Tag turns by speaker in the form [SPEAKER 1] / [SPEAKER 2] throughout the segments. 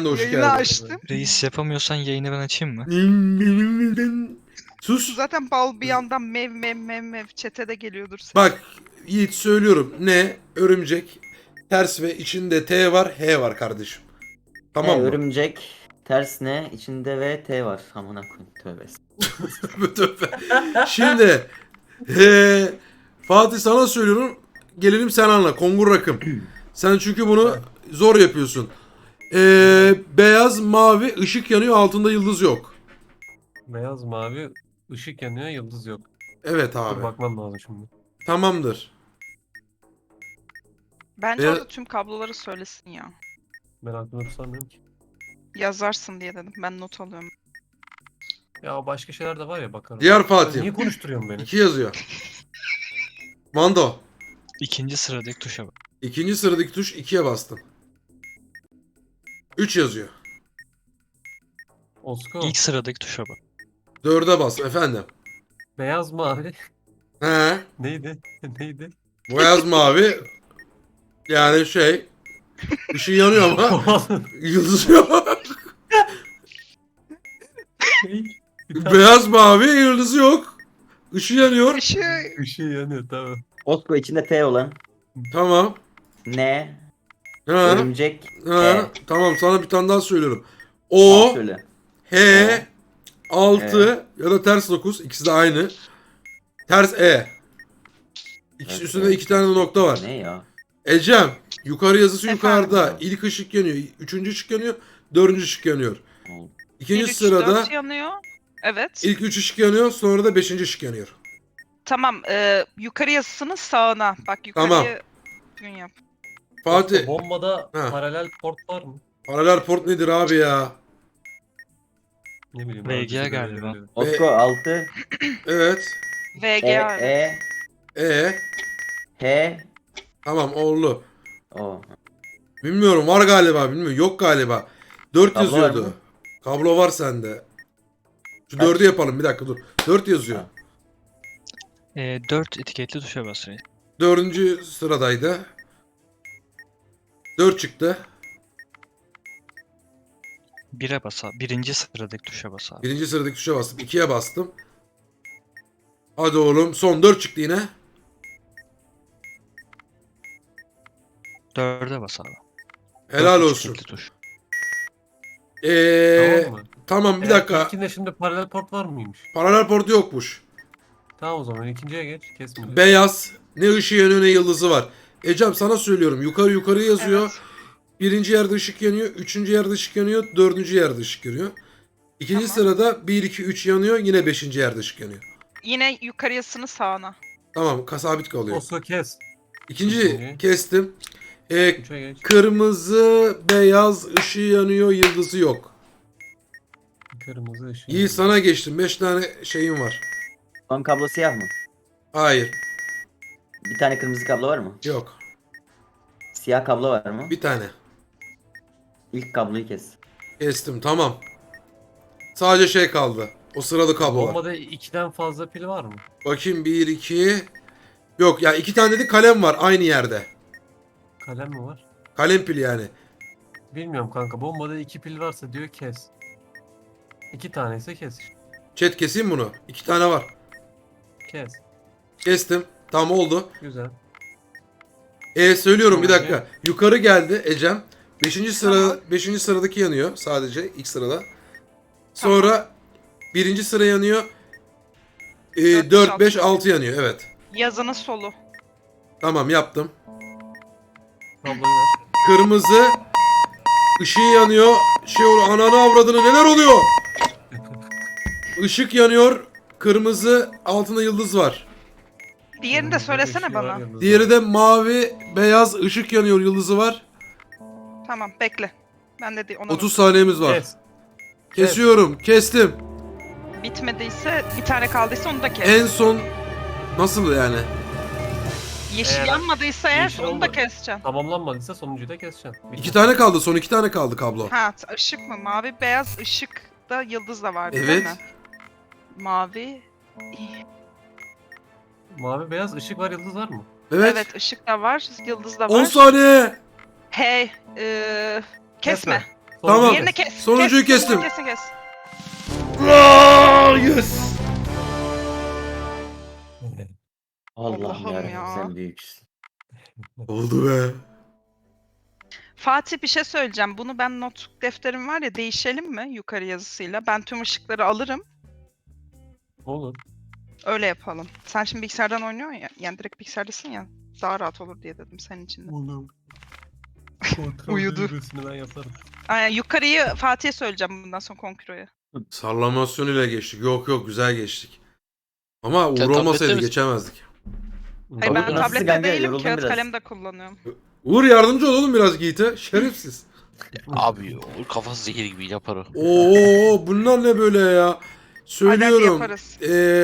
[SPEAKER 1] Sen de hoş
[SPEAKER 2] Yayını
[SPEAKER 1] geldin.
[SPEAKER 2] açtım.
[SPEAKER 3] Reis yapamıyorsan yayını ben açayım mı?
[SPEAKER 1] Sus.
[SPEAKER 2] Zaten bal bir yandan mev mev mev mev çete de geliyordur ses.
[SPEAKER 1] Bak Yiğit söylüyorum. Ne? Örümcek. Ters ve içinde T var, H var kardeşim. Tamam mı?
[SPEAKER 4] Örümcek ters ne? İçinde V T var. Amına koyayım tövbe.
[SPEAKER 1] Tövbe tövbe. Şimdi Fatih sana söylüyorum. Gelelim sen anla. Kongur rakım. Sen çünkü bunu zor yapıyorsun. Beyaz, mavi, ışık yanıyor, altında yıldız yok.
[SPEAKER 5] Beyaz mavi ışık yanıyor, yıldız yok.
[SPEAKER 1] Evet
[SPEAKER 5] Dur
[SPEAKER 1] abi.
[SPEAKER 5] bakmam lazım şimdi.
[SPEAKER 1] Tamamdır.
[SPEAKER 2] Bence
[SPEAKER 1] Beyaz-
[SPEAKER 2] orada tüm kabloları söylesin ya.
[SPEAKER 5] Ben aklımda tutamıyorum ki.
[SPEAKER 2] Yazarsın diye dedim. Ben not alıyorum.
[SPEAKER 5] Ya başka şeyler de var ya bakarım.
[SPEAKER 1] Diğer
[SPEAKER 5] Ya
[SPEAKER 1] Fatih.
[SPEAKER 5] niye konuşturuyorsun beni?
[SPEAKER 1] 2 yazıyor. Mando.
[SPEAKER 3] İkinci sıradaki tuşa bak.
[SPEAKER 1] İkinci sıradaki tuş 2'ye bastım. 3 yazıyor.
[SPEAKER 5] Osko.
[SPEAKER 3] İlk sıradaki tuşa bak.
[SPEAKER 1] 4'e bas efendim.
[SPEAKER 5] Beyaz mavi.
[SPEAKER 1] He.
[SPEAKER 5] Neydi? Neydi?
[SPEAKER 1] Beyaz mavi. Yani şey. Işığı yanıyor ama yıldız yok. Beyaz mavi yıldızı yok. Işığı yanıyor.
[SPEAKER 2] Işığı
[SPEAKER 5] Işığı yanıyor tamam.
[SPEAKER 4] Osko içinde T olan
[SPEAKER 1] Tamam.
[SPEAKER 4] ne?
[SPEAKER 1] Ha.
[SPEAKER 4] Örümcek
[SPEAKER 1] Ha. Tamam sana bir tane daha söylüyorum.
[SPEAKER 4] Tamam,
[SPEAKER 1] O,
[SPEAKER 4] söyle.
[SPEAKER 1] H, 6 ya da ters 9. İkisi de aynı. Ters E. İkisi
[SPEAKER 4] Evet,
[SPEAKER 1] üstünde
[SPEAKER 4] evet.
[SPEAKER 1] 2 tane de nokta var.
[SPEAKER 4] Ne ya?
[SPEAKER 1] Ecem. Yukarı yazısı
[SPEAKER 2] Efendim?
[SPEAKER 1] yukarıda. İlk ışık yanıyor. Üçüncü ışık yanıyor. Dördüncü ışık yanıyor. İkinci
[SPEAKER 2] 1, 3,
[SPEAKER 1] sırada
[SPEAKER 2] 4 yanıyor. Evet.
[SPEAKER 1] ilk 3 ışık yanıyor. Sonra da 5. ışık yanıyor.
[SPEAKER 2] Tamam. Yukarı yazısının sağına. Bak
[SPEAKER 1] Tamam.
[SPEAKER 2] yukarıya gün yap.
[SPEAKER 1] Fatih.
[SPEAKER 5] Osko, bombada
[SPEAKER 1] Ha.
[SPEAKER 5] paralel port var mı?
[SPEAKER 1] Paralel port nedir abi ya?
[SPEAKER 5] Ne bileyim.
[SPEAKER 3] VGA
[SPEAKER 5] öncesi de
[SPEAKER 3] galiba.
[SPEAKER 5] böyle böyle.
[SPEAKER 4] Osko 6
[SPEAKER 1] Evet.
[SPEAKER 2] VGA. evet.
[SPEAKER 4] E
[SPEAKER 1] E.
[SPEAKER 4] H
[SPEAKER 1] Tamam oğlu.
[SPEAKER 4] O.
[SPEAKER 1] Bilmiyorum var galiba. Bilmiyorum. Yok galiba. 4
[SPEAKER 4] Kablo var
[SPEAKER 1] yazıyordu.
[SPEAKER 4] mı?
[SPEAKER 1] Kablo var sende. Şu
[SPEAKER 4] Kaç?
[SPEAKER 1] 4'ü yapalım. Bir dakika dur. 4 yazıyor.
[SPEAKER 4] Ha.
[SPEAKER 3] 4 etiketli tuşa bas reis.
[SPEAKER 1] 4. sıradaydı. 4 çıktı.
[SPEAKER 3] 1'e bas abi. Birinci sıradaki tuşa bas abi.
[SPEAKER 1] 1. sıradaki tuşa bastım. 2'ye bastım. Hadi oğlum. Son 4 çıktı yine.
[SPEAKER 3] 4'e bas abi.
[SPEAKER 1] Helal
[SPEAKER 3] Dört
[SPEAKER 1] olsun.
[SPEAKER 3] etiketli tuş.
[SPEAKER 5] Tamam mı?
[SPEAKER 1] Tamam bir
[SPEAKER 5] Eğer
[SPEAKER 1] dakika.
[SPEAKER 5] İlkinde şimdi paralel port var mıymış?
[SPEAKER 1] Paralel portu yokmuş.
[SPEAKER 5] Tamam o zaman ikinciye geç. Kesme.
[SPEAKER 1] Beyaz. Ne ışığı yanıyor ne yıldızı var. Ecem sana söylüyorum. Yukarı yukarı yazıyor.
[SPEAKER 2] Evet.
[SPEAKER 1] Birinci yerde ışık yanıyor. Üçüncü yerde ışık yanıyor. Dördüncü yerde ışık yanıyor. İkinci
[SPEAKER 2] Tamam.
[SPEAKER 1] sırada 1, 2, 3 yanıyor. Yine beşinci yerde ışık yanıyor.
[SPEAKER 2] Yine yukarı yazısının sağına.
[SPEAKER 1] Tamam sabit kalıyor.
[SPEAKER 5] Osko kes.
[SPEAKER 1] İkinci
[SPEAKER 5] İkinci.
[SPEAKER 1] kestim.
[SPEAKER 5] Üçe geç.
[SPEAKER 1] Kırmızı, beyaz, ışığı yanıyor. Yıldızı yok.
[SPEAKER 5] Kırmızı ışık.
[SPEAKER 1] İyi sana geçtim. 5 tane şeyim var.
[SPEAKER 4] Son kablo siyah mı?
[SPEAKER 1] Hayır.
[SPEAKER 4] Bir tane kırmızı kablo var mı?
[SPEAKER 1] Yok.
[SPEAKER 4] Siyah kablo var mı?
[SPEAKER 1] Bir tane.
[SPEAKER 4] İlk kabloyu kes.
[SPEAKER 1] Kestim tamam. Sadece şey kaldı. O sıralı kablolar.
[SPEAKER 5] Bombada 2'den fazla pil var mı?
[SPEAKER 1] Bakayım 1, 2. Yok ya 2 tane de kalem var aynı yerde.
[SPEAKER 5] Kalem mi var?
[SPEAKER 1] Kalem pili yani.
[SPEAKER 5] Bilmiyorum kanka. Bombada 2 pil varsa diyor kes. 2 tane ise kes.
[SPEAKER 1] Chat keseyim bunu. 2 tane var.
[SPEAKER 5] Kes.
[SPEAKER 1] Kestim. Tamam oldu.
[SPEAKER 5] Güzel.
[SPEAKER 1] Söylüyorum bir
[SPEAKER 5] Tamam,
[SPEAKER 1] dakika. Yukarı geldi Ecem. 5. sıra
[SPEAKER 2] Tamam.
[SPEAKER 1] 5. sıradaki yanıyor sadece ilk sırada. Sonra 1. sıra yanıyor.
[SPEAKER 2] Dört,
[SPEAKER 1] 4
[SPEAKER 2] beş,
[SPEAKER 1] 5
[SPEAKER 2] altı.
[SPEAKER 1] 6 yanıyor evet.
[SPEAKER 2] Yazının solu.
[SPEAKER 1] Tamam yaptım.
[SPEAKER 5] Kabloyu ver.
[SPEAKER 1] Kırmızı ışığı yanıyor. Şey oluyor. Ananı avradını neler oluyor? Işık yanıyor. Kırmızı altında yıldız var.
[SPEAKER 2] Diğerini de
[SPEAKER 5] Kırmızı
[SPEAKER 2] söylesene
[SPEAKER 5] ışığı
[SPEAKER 2] bana.
[SPEAKER 5] var, yıldızı
[SPEAKER 1] Diğeri
[SPEAKER 5] var.
[SPEAKER 1] de mavi beyaz ışık yanıyor yıldızı var.
[SPEAKER 2] Tamam bekle. Ben de ona
[SPEAKER 1] 30 saniyemiz var.
[SPEAKER 5] Kes.
[SPEAKER 1] Kesiyorum. Kestim.
[SPEAKER 2] bitmediyse bir tane kaldıysa onu da kes.
[SPEAKER 1] En son nasıl yani?
[SPEAKER 2] Yeşil
[SPEAKER 5] Eğer-
[SPEAKER 2] yanmadıysa eğer
[SPEAKER 5] Yeşil
[SPEAKER 2] onu da
[SPEAKER 5] olmadı.
[SPEAKER 2] keseceksin.
[SPEAKER 5] Tamamlanmadıysa sonuncuyu da keseceksin. Bitti.
[SPEAKER 1] 2 tane kaldı. Son 2 tane kaldı kablo.
[SPEAKER 2] Ha ışık mı? Mavi beyaz ışık da yıldız da vardı değil
[SPEAKER 1] Evet.
[SPEAKER 2] mi? Mavi.
[SPEAKER 5] Mavi beyaz ışık var yıldız var mı?
[SPEAKER 1] Evet.
[SPEAKER 2] Evet ışık da var, yıldız da
[SPEAKER 1] 10
[SPEAKER 2] var.
[SPEAKER 1] saniye.
[SPEAKER 2] Hey, kesme.
[SPEAKER 1] Tamam.
[SPEAKER 2] Diğerini kes.
[SPEAKER 1] Sonuncuyu
[SPEAKER 2] kes,
[SPEAKER 1] kestim.
[SPEAKER 2] Kes.
[SPEAKER 1] Aa, yes.
[SPEAKER 4] Allah'ım
[SPEAKER 2] Allah'ım
[SPEAKER 4] yarabbim
[SPEAKER 2] ya.
[SPEAKER 4] sen büyüksün.
[SPEAKER 1] Oldu be.
[SPEAKER 2] Fatih bir şey söyleyeceğim. Bunu ben not defterim var ya, değişelim mi yukarı yazısıyla? Ben tüm ışıkları alırım.
[SPEAKER 5] Olur.
[SPEAKER 2] Öyle yapalım. Sen şimdi bilgisayardan oynuyorsun ya. Yani direkt bilgisayardasın ya. Daha rahat olur diye dedim senin için de.
[SPEAKER 5] Olur. Kontrol
[SPEAKER 2] Uyudu.
[SPEAKER 5] düğmesini ben yaparım.
[SPEAKER 2] Aynen, yukarıyı Fatih'e söyleyeceğim bundan sonra Konkiro'ya.
[SPEAKER 1] Sallamasyon ile geçtik. Yok güzel geçtik. Ama Uğur
[SPEAKER 6] Sen
[SPEAKER 1] olmasaydı
[SPEAKER 6] tablette misin?
[SPEAKER 1] geçemezdik.
[SPEAKER 2] Hayır, ben
[SPEAKER 4] Nasıl
[SPEAKER 2] tablette
[SPEAKER 4] kanka?
[SPEAKER 2] değilim,
[SPEAKER 4] Yoruldum
[SPEAKER 2] kağıt
[SPEAKER 4] biraz.
[SPEAKER 2] kalem de kullanıyorum.
[SPEAKER 1] Uğur yardımcı ol oğlum biraz Yiğit'e. Şerefsiz.
[SPEAKER 6] Abi o kafası zehir gibi yapar o.
[SPEAKER 1] Oo bunlar ne böyle ya?
[SPEAKER 2] Hadi
[SPEAKER 1] Söylüyorum.
[SPEAKER 2] yaparız.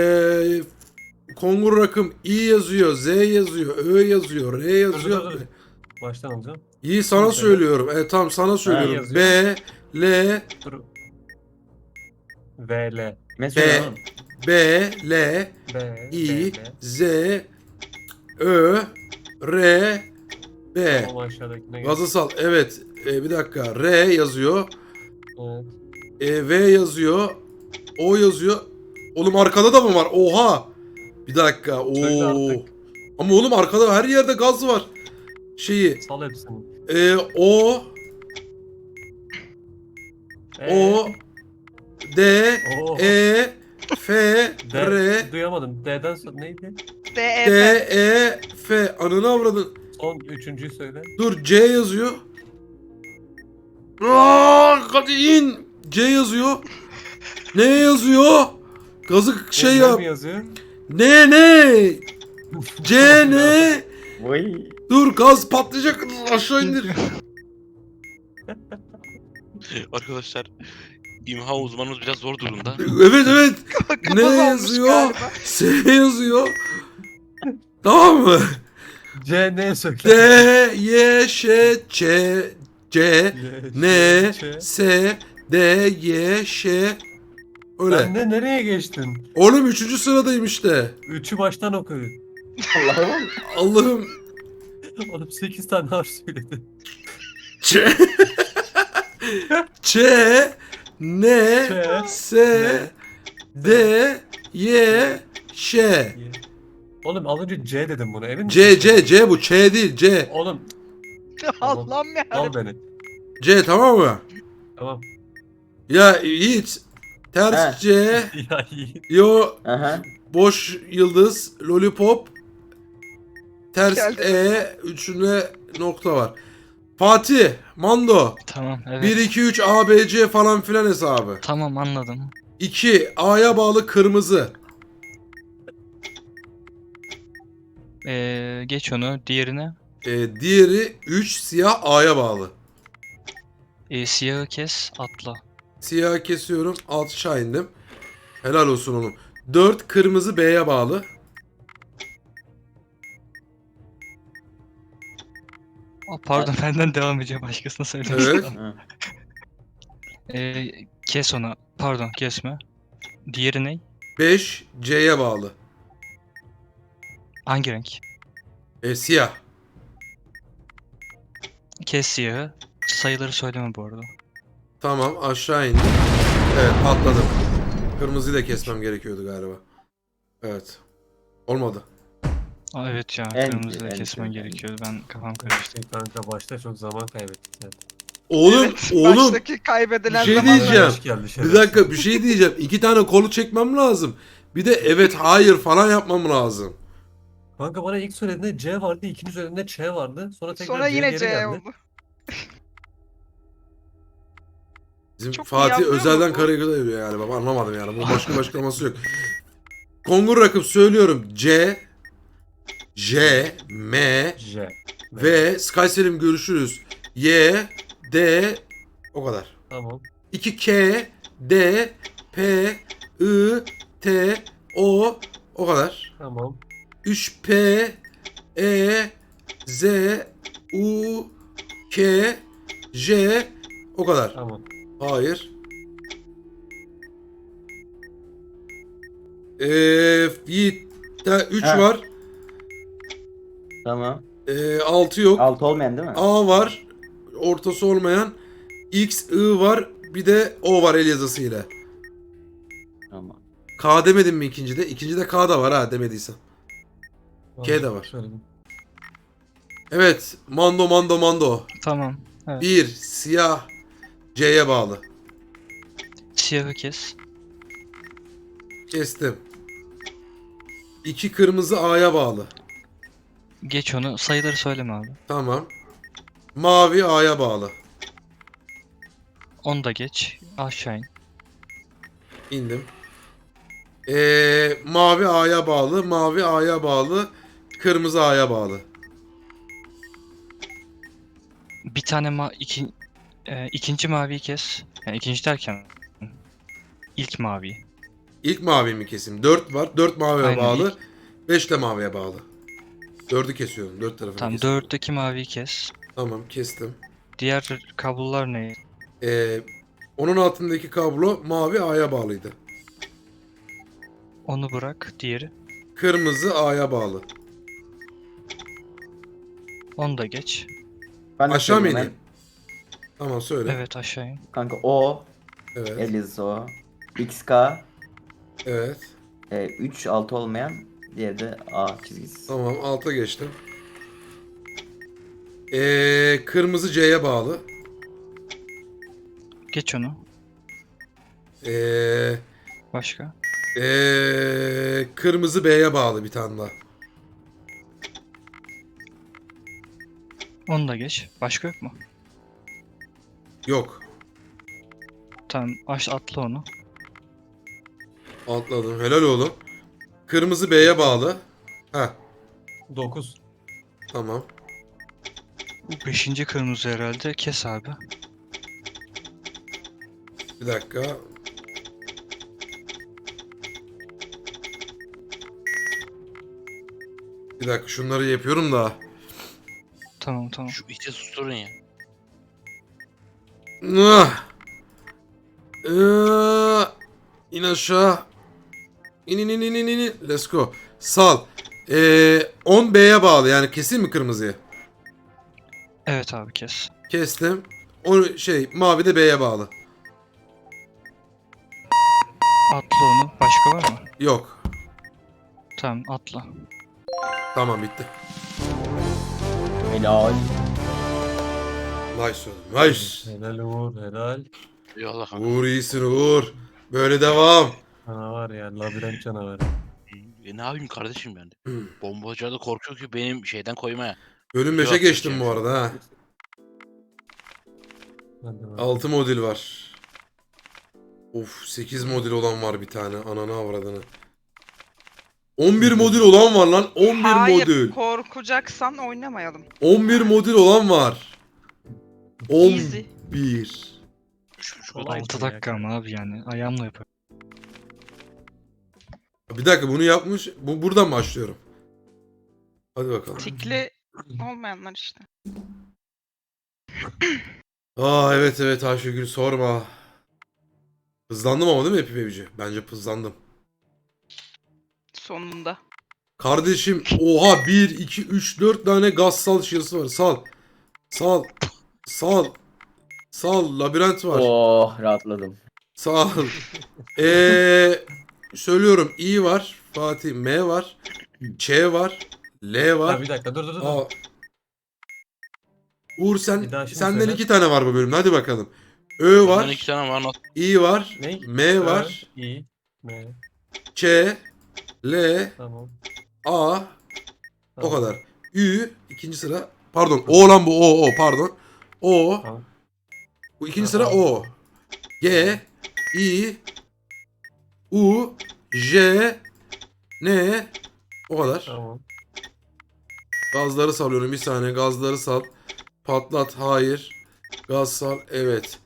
[SPEAKER 1] Kongur rakım I yazıyor, Z yazıyor, Ö yazıyor, R yazıyor.
[SPEAKER 5] Dur. Baştan alacağım.
[SPEAKER 1] İyi sana
[SPEAKER 5] Söyle.
[SPEAKER 1] söylüyorum. Tamam sana söylüyorum.
[SPEAKER 5] yazıyor.
[SPEAKER 1] B, L,
[SPEAKER 5] Dur. VL.
[SPEAKER 4] Mesela oğlum.
[SPEAKER 1] B, L,
[SPEAKER 5] B.
[SPEAKER 1] I,
[SPEAKER 5] B.
[SPEAKER 1] Z, Ö, R, B.
[SPEAKER 5] Tamam aşağıdakine gel.
[SPEAKER 1] Gazı sal. Evet. Bir dakika. R yazıyor.
[SPEAKER 5] Evet.
[SPEAKER 1] V yazıyor. O yazıyor. Oğlum arkada da mı var? Oha. Bir dakika.
[SPEAKER 5] Söyle
[SPEAKER 1] Oo.
[SPEAKER 5] artık.
[SPEAKER 1] Ama oğlum arkada her yerde gaz var. Şeyi.
[SPEAKER 5] Sal hepsini.
[SPEAKER 1] O, O, D,
[SPEAKER 5] Oo.
[SPEAKER 1] E, F,
[SPEAKER 5] D.
[SPEAKER 1] R,
[SPEAKER 5] Duyamadım. D'den sonra neydi?
[SPEAKER 1] D,
[SPEAKER 2] DEF.
[SPEAKER 1] E, F. Ananı avradın.
[SPEAKER 5] Son üçüncüyü söyle.
[SPEAKER 1] Dur C yazıyor. Hadi in. C yazıyor. Ne yazıyor? Gazı şey
[SPEAKER 5] Ne
[SPEAKER 1] yap.
[SPEAKER 5] mi yazıyor?
[SPEAKER 1] Ne? C ne?
[SPEAKER 4] Vay.
[SPEAKER 1] Dur gaz patlayacak. Aşağı indir.
[SPEAKER 6] Arkadaşlar imha uzmanımız biraz zor durumda.
[SPEAKER 1] Evet. Ne
[SPEAKER 2] Kapalı olmuş
[SPEAKER 1] yazıyor?
[SPEAKER 2] galiba.
[SPEAKER 1] S yazıyor. Tamam mı?
[SPEAKER 5] C ne söyle?
[SPEAKER 1] D, Y, Ş, Ç, C, N, S, D, Y, Ş. Öyle.
[SPEAKER 5] Sen de nereye geçtin?
[SPEAKER 1] Oğlum 3. sıradayım işte.
[SPEAKER 5] Üçü baştan okuyun.
[SPEAKER 4] Allah'ım.
[SPEAKER 1] Allah'ım.
[SPEAKER 5] Oğlum 8 tane harf söyledi.
[SPEAKER 1] Ç, Ç, N,
[SPEAKER 5] Ç,
[SPEAKER 1] S, D, Y, Ş.
[SPEAKER 5] Oğlum az önce C dedim bunu emin misin?
[SPEAKER 1] C bu. Ç değil C.
[SPEAKER 5] Oğlum
[SPEAKER 2] Allah'ım ya.
[SPEAKER 5] al beni.
[SPEAKER 1] C tamam mı?
[SPEAKER 5] Tamam.
[SPEAKER 1] Ya Yiğit. Ters
[SPEAKER 4] He.
[SPEAKER 1] C.
[SPEAKER 5] Ya iyi.
[SPEAKER 1] Yo
[SPEAKER 4] Aha.
[SPEAKER 1] boş yıldız. Lollipop. Ters
[SPEAKER 2] Geldi.
[SPEAKER 1] E. Üçüne nokta var. Fatih. Mando.
[SPEAKER 3] Tamam evet.
[SPEAKER 1] 1, 2, 3 A, B, C falan filan hesabı.
[SPEAKER 3] Tamam anladım.
[SPEAKER 1] 2. A'ya bağlı kırmızı.
[SPEAKER 3] Geç onu. Diğerine.
[SPEAKER 1] Diğeri 3 siyah A'ya bağlı.
[SPEAKER 3] Siyahı kes atla.
[SPEAKER 1] Siyah kesiyorum. Aşağı indim. Helal olsun oğlum. 4 kırmızı B'ye bağlı.
[SPEAKER 3] Pardon benden devam edeceğim. Başkasına söylemek
[SPEAKER 1] Evet.
[SPEAKER 3] istedim.
[SPEAKER 4] Ha.
[SPEAKER 3] Kes onu. Pardon kesme. Diğeri ne?
[SPEAKER 1] 5 C'ye bağlı.
[SPEAKER 3] Hangi renk?
[SPEAKER 1] Siyah.
[SPEAKER 3] Kes siyahı. Sayıları söyleme bu arada.
[SPEAKER 1] Tamam aşağı indim. Evet atladım. Kırmızıyı da kesmem gerekiyordu galiba. Evet. Olmadı.
[SPEAKER 3] Evet ya
[SPEAKER 4] En-
[SPEAKER 3] kırmızı da
[SPEAKER 4] en-
[SPEAKER 3] kesmen
[SPEAKER 4] en-
[SPEAKER 3] gerekiyordu. Ben kafam karıştı.
[SPEAKER 5] Kanka başta çok zaman kaybettik. sen.
[SPEAKER 1] Oğlum
[SPEAKER 2] Evet,
[SPEAKER 1] oğlum.
[SPEAKER 2] Baştaki kaybedilen
[SPEAKER 1] Bir şey
[SPEAKER 2] zamanlar.
[SPEAKER 1] diyeceğim.
[SPEAKER 5] Hoş geldi
[SPEAKER 1] Bir
[SPEAKER 5] şerefsiz.
[SPEAKER 1] dakika bir şey diyeceğim. 2 tane kolu çekmem lazım. Bir de evet hayır falan yapmam lazım.
[SPEAKER 5] Kanka bana ilk söylediğinde C vardı, ikinci söylediğinde Ç vardı. Sonra tekrar
[SPEAKER 2] Sonra yine
[SPEAKER 5] geri
[SPEAKER 2] C
[SPEAKER 5] geldi.
[SPEAKER 2] oldu.
[SPEAKER 1] Bizim
[SPEAKER 2] Çok iyi
[SPEAKER 1] Fatih
[SPEAKER 2] yapmıyor mu
[SPEAKER 1] özelden
[SPEAKER 2] bu?
[SPEAKER 1] Karagöl'e yürüyor yani baba anlamadım yani. Bunun başka bir açıklaması yok. Kongur rakım söylüyorum. C, J, M,
[SPEAKER 5] J.
[SPEAKER 1] V, Skyselim görüşürüz. Y, D, o kadar.
[SPEAKER 5] Tamam.
[SPEAKER 1] 2 K, D, P, I, T, o kadar.
[SPEAKER 5] Tamam.
[SPEAKER 1] 3 P, E, Z, U, K, J, o kadar.
[SPEAKER 5] Tamam.
[SPEAKER 1] Hayır. Yiğit 3
[SPEAKER 4] Ha.
[SPEAKER 1] var.
[SPEAKER 4] Tamam.
[SPEAKER 1] 6 yok.
[SPEAKER 4] 6 olmayan değil mi?
[SPEAKER 1] A var. Ortası olmayan. X, I var. Bir de O var el yazısıyla.
[SPEAKER 4] Tamam.
[SPEAKER 1] K demedim mi ikincide? İkincide K da var ha demediysem. K de var.
[SPEAKER 5] Söyledim.
[SPEAKER 1] Evet. Mando.
[SPEAKER 3] Tamam. Evet.
[SPEAKER 1] 1 siyah C'ye bağlı.
[SPEAKER 3] Siyahı kes.
[SPEAKER 1] Kestim. 2 kırmızı A'ya bağlı.
[SPEAKER 3] Geç onu. Sayıları söyleme abi.
[SPEAKER 1] Tamam. Mavi A'ya bağlı.
[SPEAKER 3] Onu da geç. Aşağı in.
[SPEAKER 1] İndim. Mavi A'ya bağlı. Mavi A'ya bağlı. Kırmızı A'ya bağlı.
[SPEAKER 3] Bir tane ikinci maviyi kes. Yani ikinci derken ilk maviyi.
[SPEAKER 1] İlk mavi mi kesim? 4 var. 4 maviye
[SPEAKER 3] Aynen,
[SPEAKER 1] bağlı. 5 de maviye bağlı. 4'ü kesiyorum. 4 tarafını
[SPEAKER 3] Tamam,
[SPEAKER 1] kesiyorum.
[SPEAKER 3] dörtteki maviyi kes.
[SPEAKER 1] Tamam kestim.
[SPEAKER 3] Diğer kablolar ne?
[SPEAKER 1] Onun altındaki kablo mavi A'ya bağlıydı.
[SPEAKER 3] Onu bırak. Diğeri.
[SPEAKER 1] Kırmızı A'ya bağlı.
[SPEAKER 3] Onu da geç.
[SPEAKER 4] Ben de
[SPEAKER 1] Aşağı mı
[SPEAKER 4] söyleyeyim
[SPEAKER 1] ineyim? Tamam söyle.
[SPEAKER 3] Evet, aşağı in.
[SPEAKER 4] Kanka O.
[SPEAKER 1] Evet.
[SPEAKER 4] El yazısı O. XK.
[SPEAKER 1] Evet.
[SPEAKER 4] 3 6 olmayan. Diğeri de A çizgisi.
[SPEAKER 1] Tamam alta geçtim. Kırmızı C'ye bağlı.
[SPEAKER 3] Geç onu.
[SPEAKER 1] Ee,
[SPEAKER 3] Başka.
[SPEAKER 1] Kırmızı B'ye bağlı bir tane daha.
[SPEAKER 3] Onu da geç. Başka yok mu?
[SPEAKER 1] Yok.
[SPEAKER 3] Tamam, atla onu.
[SPEAKER 1] Atladım. Helal oğlum. Kırmızı B'ye bağlı. Ha
[SPEAKER 5] 9.
[SPEAKER 1] tamam.
[SPEAKER 3] Bu beşinci kırmızı herhalde. Kes abi.
[SPEAKER 1] Bir dakika. Bir dakika şunları yapıyorum da.
[SPEAKER 3] Tamam.
[SPEAKER 6] Şu iti susturun ya.
[SPEAKER 1] Ah! İn aşağı. İn. Let's go. Sal. 10 B'ye bağlı yani kesin mi kırmızıya?
[SPEAKER 3] Evet abi, kes.
[SPEAKER 1] Kestim. O mavi de B'ye bağlı.
[SPEAKER 3] Atla onu. Başka var mı?
[SPEAKER 1] Yok.
[SPEAKER 3] Tamam, atla.
[SPEAKER 1] Tamam bitti.
[SPEAKER 4] Helal.
[SPEAKER 1] Nice oğlum. Nice.
[SPEAKER 5] Helal Uğur helal.
[SPEAKER 6] Eyvallah kanka.
[SPEAKER 1] Uğur iyisin Uğur. Böyle devam.
[SPEAKER 5] Canavar ya labirent canavarı.
[SPEAKER 6] Ne yapayım kardeşim ben de.
[SPEAKER 1] Hmm.
[SPEAKER 6] Bombacılar da korkuyor ki benim şeyden koymaya.
[SPEAKER 1] Bölüm 5'e
[SPEAKER 6] Yok,
[SPEAKER 1] geçtim
[SPEAKER 6] yok.
[SPEAKER 1] bu arada ha.
[SPEAKER 5] Hadi bakalım.
[SPEAKER 1] 6 modül var. Of 8 modül olan var bir tane. Ananı avradını. 11 modül olan var lan. 11
[SPEAKER 2] Hayır,
[SPEAKER 1] modül.
[SPEAKER 2] korkacaksan oynamayalım.
[SPEAKER 1] 11 modül olan var.
[SPEAKER 2] Easy.
[SPEAKER 1] 11.
[SPEAKER 5] Kolay
[SPEAKER 3] 6
[SPEAKER 5] ya.
[SPEAKER 3] dakika ama abi yani. Ayağımla yapıyorum.
[SPEAKER 1] Bir dakika bunu yapmış. Buradan başlıyorum. Hadi bakalım.
[SPEAKER 2] Tikli olmayanlar işte.
[SPEAKER 1] Evet Ayşegül sorma. Hızlandım ama değil mi Happy Baby'ci? Bence hızlandım.
[SPEAKER 2] Sonunda.
[SPEAKER 1] Kardeşim oha 1, 2, 3, 4 tane gaz sal şişesi var. Sal. Labirent var.
[SPEAKER 4] Oh rahatladım.
[SPEAKER 1] Sağ ol. Söylüyorum. İ var. Fatih. M var. Ç var. L
[SPEAKER 5] Ha,
[SPEAKER 1] var.
[SPEAKER 5] bir dakika dur.
[SPEAKER 1] A. Uğur
[SPEAKER 5] Bir
[SPEAKER 1] sen
[SPEAKER 5] daha şimdi
[SPEAKER 1] senden
[SPEAKER 5] söyle.
[SPEAKER 1] 2 tane var bu bölümde. Hadi bakalım. Ö
[SPEAKER 6] Benden
[SPEAKER 1] var.
[SPEAKER 6] 2 tane var.
[SPEAKER 1] İ var.
[SPEAKER 5] Ne?
[SPEAKER 1] M var.
[SPEAKER 5] İyi. M.
[SPEAKER 1] Ç. L.
[SPEAKER 5] Tamam.
[SPEAKER 1] A. O
[SPEAKER 5] Tamam.
[SPEAKER 1] kadar. Ü. ikinci sıra. Pardon. O lan bu. O. Pardon. O.
[SPEAKER 5] Tamam.
[SPEAKER 1] Bu ikinci
[SPEAKER 5] Ha,
[SPEAKER 1] sıra
[SPEAKER 5] tamam.
[SPEAKER 1] O. G. I. U. J. N. O kadar.
[SPEAKER 5] Tamam.
[SPEAKER 1] Gazları salıyorum. Bir saniye. Gazları sal. Patlat. Hayır. Gaz sal. Evet.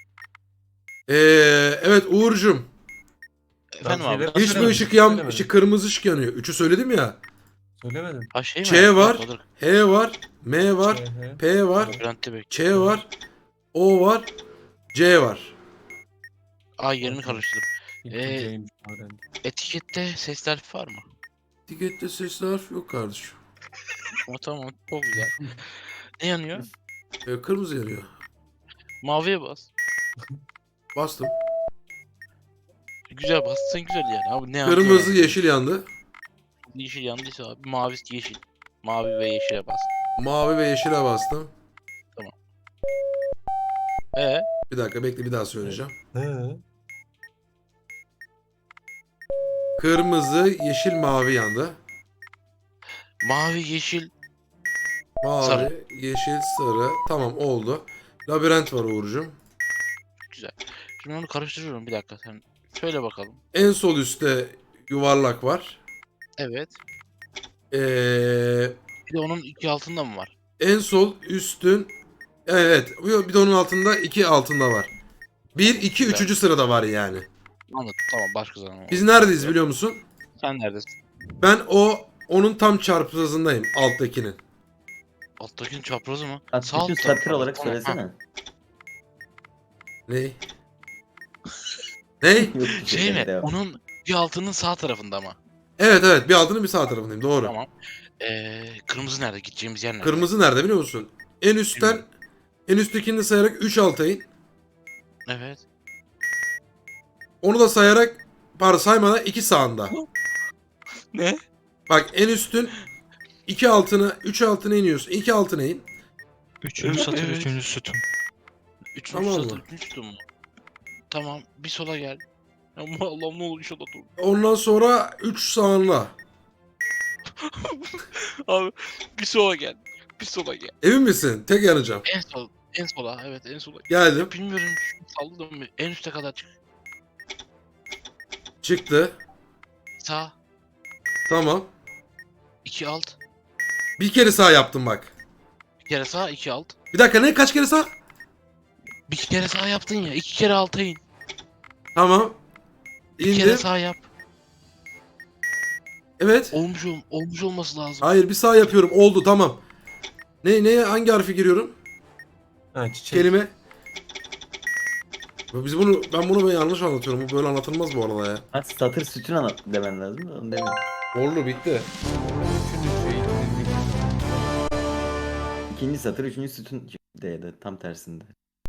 [SPEAKER 1] Evet Uğur'cum.
[SPEAKER 6] Efendim abi.
[SPEAKER 5] şeyleri-
[SPEAKER 1] Hiçbir
[SPEAKER 5] Söylemedim,
[SPEAKER 1] ışık
[SPEAKER 5] söylemedim.
[SPEAKER 1] ışık kırmızı ışık yanıyor. 3'ü söyledim ya.
[SPEAKER 5] Söylemedim.
[SPEAKER 6] Ha şey mi?
[SPEAKER 1] Ç var.
[SPEAKER 6] Dur.
[SPEAKER 1] H var. M var.
[SPEAKER 5] CH.
[SPEAKER 1] P var.
[SPEAKER 6] Labirentte bek.
[SPEAKER 1] Ç var. O var. C var.
[SPEAKER 6] Yerini karıştırdım.
[SPEAKER 5] İlk James Harden.
[SPEAKER 6] Etikette sesli harf var mı?
[SPEAKER 1] Etikette sesli harf yok kardeşim.
[SPEAKER 6] Tamam. Çok güzel. Ne yanıyor?
[SPEAKER 1] Kırmızı yanıyor.
[SPEAKER 6] Maviye bas.
[SPEAKER 1] Bastım.
[SPEAKER 6] Güzel bastın güzel yani abi. Ne
[SPEAKER 1] Kırmızı
[SPEAKER 6] yani?
[SPEAKER 1] yeşil yandı.
[SPEAKER 6] Yeşil yandıysa abi mavi yeşil. Mavi ve yeşile bas.
[SPEAKER 1] Mavi ve yeşile bastım.
[SPEAKER 6] Ee,
[SPEAKER 1] Bir dakika bekle, bir daha söyleyeceğim.
[SPEAKER 5] He.
[SPEAKER 1] Kırmızı, yeşil, mavi yandı.
[SPEAKER 6] mavi yeşil.
[SPEAKER 1] Mavi,
[SPEAKER 6] Sarı.
[SPEAKER 1] yeşil, sarı. Tamam oldu. Labirent var Uğur'cum.
[SPEAKER 6] Güzel. Şimdi onu karıştırıyorum bir dakika sen. Söyle bakalım.
[SPEAKER 1] En sol üstte yuvarlak var.
[SPEAKER 6] Evet.
[SPEAKER 1] Ee,
[SPEAKER 6] Bir de onun iki altında mı var?
[SPEAKER 1] en sol üstün, evet, bir de onun altında 2 altında var. 1, 2,
[SPEAKER 6] Güzel.
[SPEAKER 1] 3. sırada var yani.
[SPEAKER 6] Anladım. Tamam başka zaman.
[SPEAKER 1] Biz neredeyiz biliyor musun?
[SPEAKER 6] Sen neredesin?
[SPEAKER 1] Ben onun tam çaprazındayım, alttakinin.
[SPEAKER 6] Alttakinin çaprazı mı?
[SPEAKER 4] Bak,
[SPEAKER 6] Sağ alt
[SPEAKER 4] bütün
[SPEAKER 6] tarafı.
[SPEAKER 4] satır olarak
[SPEAKER 6] Tamam, ha.
[SPEAKER 4] söylesene.
[SPEAKER 1] Ney? Ney?
[SPEAKER 4] Yok, bir
[SPEAKER 6] Şey mi?
[SPEAKER 4] devam.
[SPEAKER 6] Onun bir altının sağ tarafında mı?
[SPEAKER 1] Evet evet, bir altının bir sağ tarafındayım, doğru.
[SPEAKER 6] Tamam. Kırmızı nerede? Gideceğimiz yer nerede?
[SPEAKER 1] Kırmızı nerede biliyor musun? En üstten, en üsttekini de sayarak 3 alta in.
[SPEAKER 6] Evet.
[SPEAKER 1] Onu da sayarak, pardon saymadan 2 sağında.
[SPEAKER 6] Ne?
[SPEAKER 1] Bak en üstün 2 altına, 3 altına iniyorsun. 2 altına in.
[SPEAKER 3] Üçüncü satır,
[SPEAKER 6] Evet.
[SPEAKER 3] üçüncü sütun.
[SPEAKER 6] Üçüncü
[SPEAKER 1] Tamam
[SPEAKER 6] satır,
[SPEAKER 1] mı?
[SPEAKER 6] üçüncü sütun mu? Tamam. Bir sola gel. Ama Allah'ım ne olur inşallah dur.
[SPEAKER 1] Ondan sonra 3 sağına.
[SPEAKER 6] Abi bir sola gel. Bir sola gel.
[SPEAKER 1] Emin misin? Tek yanacağım.
[SPEAKER 6] En sol. En sola. Evet en sola.
[SPEAKER 1] Geldim.
[SPEAKER 6] Bilmiyorum. Salladım bir. En üste kadar çık.
[SPEAKER 1] Çıktı.
[SPEAKER 6] Sağ.
[SPEAKER 1] Tamam.
[SPEAKER 6] 2 alt.
[SPEAKER 1] Bir kere sağ yaptım bak.
[SPEAKER 6] Bir kere sağ, 2 alt.
[SPEAKER 1] Bir dakika, ne? Kaç kere sağ?
[SPEAKER 6] Bir kere sağ yaptın ya. 2 kere alta in.
[SPEAKER 1] Tamam.
[SPEAKER 6] Bir kere
[SPEAKER 1] İndim.
[SPEAKER 6] sağ yap.
[SPEAKER 1] Evet.
[SPEAKER 6] Olmuş olması lazım.
[SPEAKER 1] Hayır, bir sağ yapıyorum. Oldu, tamam. Ne hangi harfi giriyorum?
[SPEAKER 5] Ha, çiçek.
[SPEAKER 1] Kelime. Ben bunu yanlış anlatıyorum. Bu böyle anlatılmaz bu arada ya.
[SPEAKER 4] Ha, satır sütun anlat demen lazım da onu demiyorum.
[SPEAKER 1] Orlu bitti.
[SPEAKER 5] Üçüncü şey.
[SPEAKER 4] İkinci satır, üçüncü sütun D'de tam tersinde.